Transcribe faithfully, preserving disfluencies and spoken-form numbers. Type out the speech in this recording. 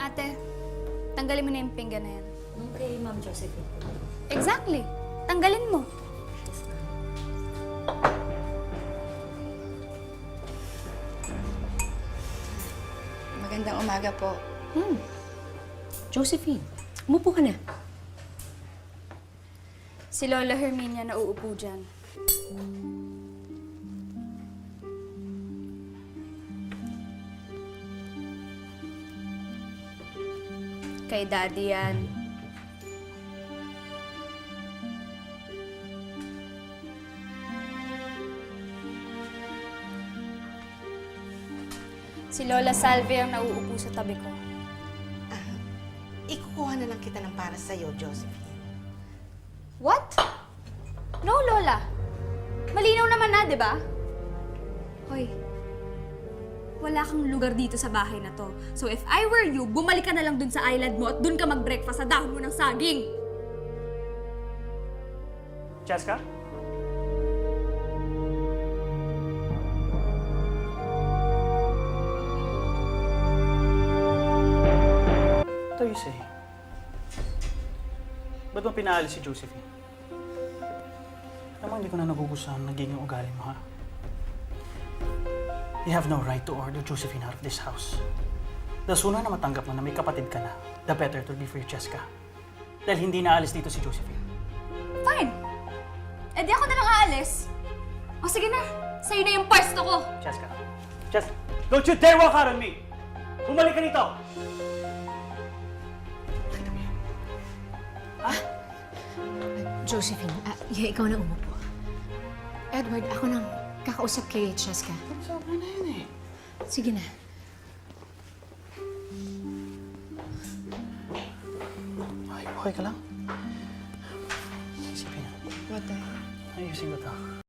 ate. Tanggalin mo na yung pinggan na yan. Okay, Ma'am Josephine. Exactly. Tanggalin mo. Yes, ma'am. Magandang umaga po. Hmm. Josephine, umupo ka na. Si Lola Herminia na uupo dyan. Kay Daddy yan. Si Lola Salve ang nauupo sa tabi ko. Ah, ikukuha na lang kita ng para sa'yo, Josephine. What? No, Lola. Malinaw naman na, di ba? Hoy, wala kang lugar dito sa bahay na to. So if I were you, bumalik ka na lang dun sa island mo at dun ka mag-breakfast sa dahon mo ng saging. Cheska? What are you saying? Ba't mo pinaalis si Josephine? Alam mo, hindi ko na nagugustuhan ang naging ugali mo, ha? You have no right to order Josephine out of this house. The sooner na matanggap mo na may kapatid ka na, the better it will be for you, Cheska. Dahil hindi naalis dito si Josephine. Fine. Eh di ako na lang aalis. O sige na, sa'yo na yung pwesto ko. Cheska. Cheska, don't you dare walk out on me! Bumalik ka dito! Josephine, ah, yeah, ikaw na umupo. Edward, ako nang kakausap kay Cheska. Sobra na yun eh. Sige na. Okay, okay ka lang? Isipin na. What the... Ayusin ko to.